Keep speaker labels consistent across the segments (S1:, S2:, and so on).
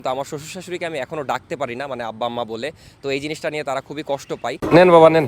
S1: তো আমার শ্বশুর শাশুড়িকে আমি এখনো ডাকতে পারি না, মানে আব্বা আম্মা বলে। তো এই জিনিসটা নিয়ে তারা খুবই কষ্ট পায়। নেন বাবা নেন।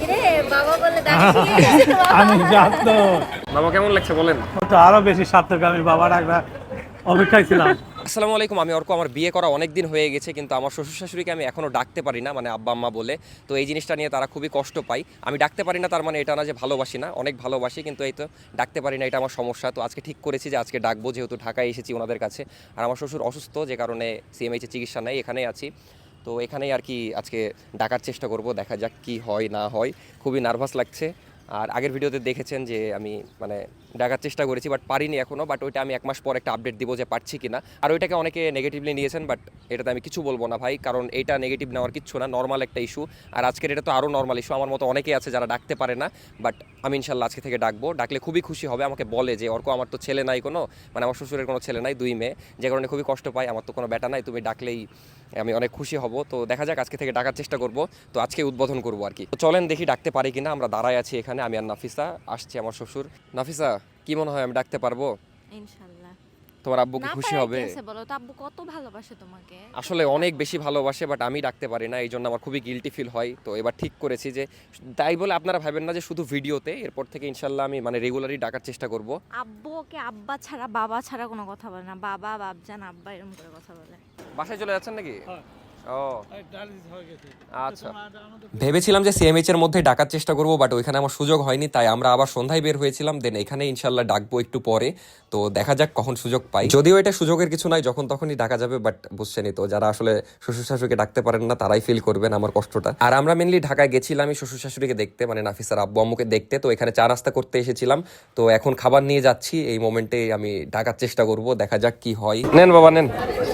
S2: আমি জানতো
S1: বাবা কেমন লাগছে বলেন?
S2: তো আরো বেশি সার্থক, আমি বাবা ডাকবার অপেক্ষায় ছিলাম।
S1: আসসালামু আলাইকুম। আমি অর্ক, আমার বিয়ে করা অনেক দিন হয়ে গেছে, কিন্তু আমার শ্বশুর শাশুড়িকে আমি এখনো ডাকতে পারি না, মানে আব্বা আম্মা বলে। তো এই জিনিসটা নিয়ে তারা খুবই কষ্ট পায়। আমি ডাকতে পারি না তার মানে এটা না যে ভালোবাসি না, অনেক ভালোবাসি, কিন্তু এই তো ডাকতে পারি না, এটা আমার সমস্যা। তো আজকে ঠিক করেছি যে আজকে ডাকবো, যেহেতু ঢাকায় এসেছি ওনাদের কাছে। আর আমার শ্বশুর অসুস্থ, যে কারণে সিএমএইচে চিকিৎসা নেই, এখানেই আছি। তো এখানেই আর কি আজকে ডাকার চেষ্টা করব, দেখা যাক কি হয় না হয়। খুবই নার্ভাস লাগছে। আর আগের ভিডিওতে দেখেছেন যে আমি মানে ডাকার চেষ্টা করেছি, বাট পারিনি এখনও। বাট ওইটা আমি 1 মাস পর একটা আপডেট দিব যে পারছি কিনা। আর ওইটাকে অনেকে নেগেটিভলি নিয়েছেন, বাট এটাতে আমি কিছু বলবো না ভাই, কারণ এটা নেগেটিভ নেওয়ার কিচ্ছু না, নর্মাল একটা ইস্যু। আর আজকের এটা তো আরও নর্মাল ইস্যু। আমার মতো অনেকেই আছে যারা ডাকতে পারে না, বাট আমি ইনশাল্লাহ আজকে থেকে ডাকবো। ডাকলে খুবই খুশি হবে। আমাকে বলে যে অর্ক আমার তো ছেলে নাই কোনো, মানে আমার শ্বশুরের কোনো ছেলে নাই, 2 মেয়ে, যে কারণে খুবই কষ্ট পাই। আমার তো কোনো বেটা নাই, তুমি ডাকলেই আমি অনেক খুশি হব। তো দেখা যাক, আজকে থেকে ডাকার চেষ্টা করব। তো আজকে উদ্বোধন করবো আর কি। তো চলেন দেখি ডাকতে পারি কিনা। আমরা দাঁড়ায় আছি এখানে, আমি আর নাফিসা, আসছে আমার শ্বশুর। নাফিসা, কি মনে হয় আমি ডাকতে পারবো?
S3: ইনশাআল্লাহ।
S1: তোমার আব্বু কি খুশি হবে?
S3: না পারে বলো তো, আব্বু কত ভালোবাসে তোমাকে।
S1: আসলে অনেক বেশি ভালোবাসে, বাট আমি ডাকতে পারি না, এই জন্য আমার খুবই গিলটি ফিল হয়। তো এবার ঠিক করেছি যে, তাই বলে আপনারা ভাবেন না যে শুধু ভিডিওতে, এরপর থেকে ইনশাল্লাহ আমি মানে রেগুলারই ডাকার চেষ্টা করব।
S3: আব্বু ওকে আব্বা ছাড়া বাবা ছাড়া কোনো কথা বলে না, বাবা বাপজান আব্বা এরকম করে কথা বলে।
S1: বাসায় চলে যাচ্ছেন নাকি? ও আচ্ছা।
S2: আমাদের
S1: ভেবেছিলাম যে সিএমএইচ এর মধ্যে ডাকার চেষ্টা করব, বাট ওইখানে আমার সুযোগ হয়নি, তাই আমরা আবার সন্ধ্যায় বের হয়েছিলাম। দেন এখানে ইনশাল্লাহ ডাকবো একটু পরে। তো দেখা যাক কখন সুযোগ পাই। যদিও এটা সুযোগের কিছু নাই, যখন তখনই ডাকা যাবে, বাট বুঝছেনই তো, যারা আসলে শ্বশুর শাশুড়িকে ডাকতে পারেন না তারাই ফিল করবেন আমার কষ্টটা। আর আমরা মেনলি ঢাকায় গেছিলাম শ্বশুর শাশুড়িকে দেখতে, মানে নাফিসার আব্বু আম্মুকে দেখতে। তো এখানে চা নাস্তা করতে এসেছিলাম। তো এখন খাবার নিয়ে যাচ্ছি, এই মোমেন্টে আমি ডাকার চেষ্টা করব, দেখা যাক কি হয়। নেন বাবা নেন।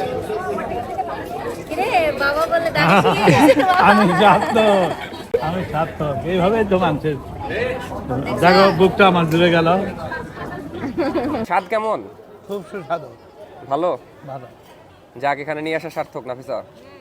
S2: আমি জানতো, আমি সার্থক, এইভাবেই তো মানুষের দেখো বুকটা আমার জুড়ে গেল।
S1: স্বাদ কেমন?
S2: খুব সুস্বাদু,
S1: ভালো।
S2: ভালো।
S1: যাক, এখানে নিয়ে আসা সার্থক। নাফিসা,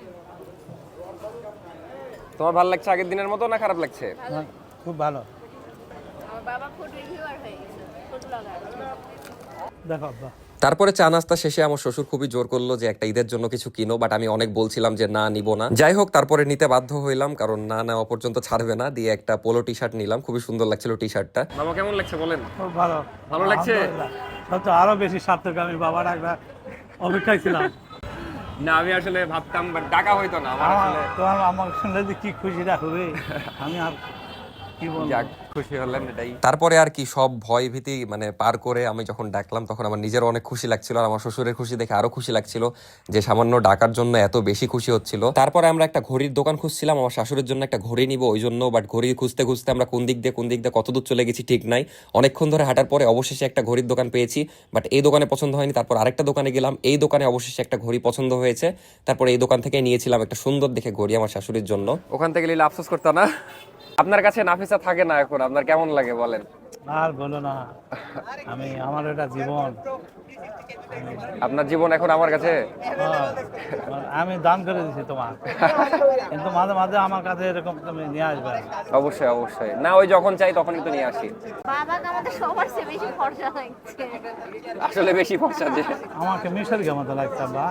S1: তোমার ভালো লাগছে আগের দিনের মতো না খারাপ লাগছে?
S2: খুব ভালো।
S3: আমার বাবা ফুড রিভিউয়ার হয়ে গেছে, ফুড ব্লগার।
S2: দেখো আব্বা,
S1: তারপরে চা নাস্তা শেষে আমার শ্বশুর খুবই জোর করলো যে একটা ঈদের জন্য কিছু কিনো, বাট আমি অনেক বলছিলাম যে না, নিব না। যাই হোক, তারপরে নিতে বাধ্য হইলাম, কারণ না নেওয়া পর্যন্ত ছাড়বে না। দিয়ে একটা পোলো টি শার্ট নিলাম, খুবই সুন্দর লাগছিল টি শার্টটা। বাবা কেমন লাগছে বলেন?
S2: খুব ভালো,
S1: ভালো লাগছে?
S2: সব তো আরো বেশি সার্থক, আমি বাবা ডাকবার অপেক্ষায় ছিলাম।
S1: না, আমি আসলে ভাবতাম, বাট ডাকা হইতো না আমার আসলে।
S2: তোমার আমার শুনলে যে কি খুশিটা হবে, আমি আর কি বলবো।
S1: যাক, খুশি হলেন এটাই। তারপরে আর কি সব ভয় ভীতি মানে পার করে আমি যখন ডাকলাম, তখন আমার নিজের অনেক খুশি লাগছিল, আর আমার শ্বশুরের খুশি দেখে আরো খুশি লাগছিল যে সামান্য ডাকার জন্য এত বেশি খুশি হচ্ছিল। তারপরে আমরা একটা ঘড়ির দোকান খুঁজছিলাম আমার শাশুড়ির জন্য একটা ঘড়ি নিব ওই জন্য, বাট ঘড়ি খুঁজতে খুঁজতে আমরা কোন দিক দিয়ে কত দূর চলে গেছি ঠিক নাই। অনেকক্ষণ ধরে হাঁটার পরে অবশেষে একটা ঘড়ির দোকান পেয়েছি, বাট এই দোকানে পছন্দ হয়নি। তারপর আরেকটা দোকানে গেলাম, এই দোকানে অবশেষে একটা ঘড়ি পছন্দ হয়েছে। তারপরে এই দোকান থেকে নিয়েছিলাম একটা সুন্দর দেখে ঘড়ি আমার শাশুড়ির জন্য। ওখান থেকে নিলে আফসোস করতে না। আপনার কাছে নাফিসা থাকে না এখন, আপনার কেমন লাগে বলেন?
S2: আর বলো না, আমার এটা জীবন।
S1: আপনার জীবন এখন আমার কাছে।
S2: আমি দান করে দিছি তোমার, কিন্তু মাঝে মাঝে আমার কাছে এরকম তুমি নিয়ে আসবে।
S1: অবশ্যই অবশ্যই, না ওই যখন চাই তখনই তো নিয়ে আসি।
S3: বাবাকে আমাদের সবার চেয়ে বেশি ফর্সা লাগছে।
S1: আসলে বেশি ফর্সা যে
S2: আমাকে মিশর কে মতো লাগছে বা।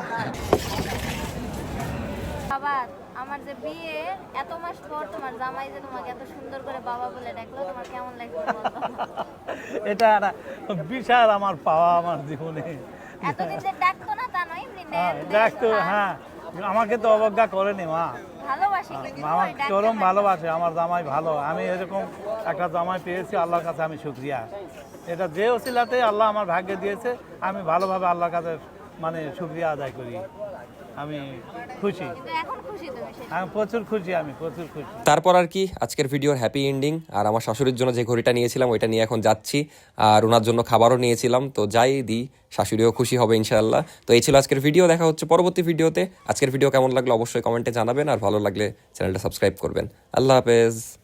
S3: বাবা, আমার যে বিয়ে এত মাস পর তোমার জামাই যে তোমাকে এত সুন্দর করে বাবা বলে ডাকলো, তোমার কেমন লাগছে বলো?
S2: এটা একটা বিশাল আমার পাওয়া আমার জীবনে।
S3: এতদিন যে ডাকতো না তা নয়, এমনি
S2: দেখতো, হ্যাঁ, আমাকে তো অবজ্ঞা করেনি মা।
S3: ভালোবাসি কিন্তু
S2: আমার
S3: ওই ডাকতে
S2: চরম
S3: পারে।
S2: ভালোবাসে, আমার জামাই ভালো। আমি এরকম একটা জামাই পেয়েছি, আল্লাহর কাছে আমি শুকরিয়া। এটা যে ওসিলাতে আল্লাহ আমার ভাগ্যে দিয়েছে, আমি ভালোভাবে আল্লাহর কাছে মানে শুকরিয়া আদায় করি। আমি খুশি,
S3: কিন্তু এখন খুশি তুমি সেটা।
S2: আমি প্রচুর খুশি, আমি প্রচুর খুশি।
S1: তারপর আর কি আজকের ভিডিওর হ্যাপি এন্ডিং। আর আমার শাশুড়ির জন্য যে ঘড়িটা নিয়েছিলাম ওইটা নিয়ে এখন যাচ্ছি, আর ওনার জন্য খাবারও নিয়েছিলাম। তো যাই দিই, শাশুড়িও খুশি হবে ইনশাআল্লাহ। তো এই ছিল আজকের ভিডিও, দেখা হচ্ছে পরবর্তী ভিডিওতে। আজকের ভিডিও কেমন লাগলো অবশ্যই কমেন্টে জানাবেন, আর ভালো লাগলে চ্যানেলটা সাবস্ক্রাইব করবেন। আল্লাহ হাফেজ।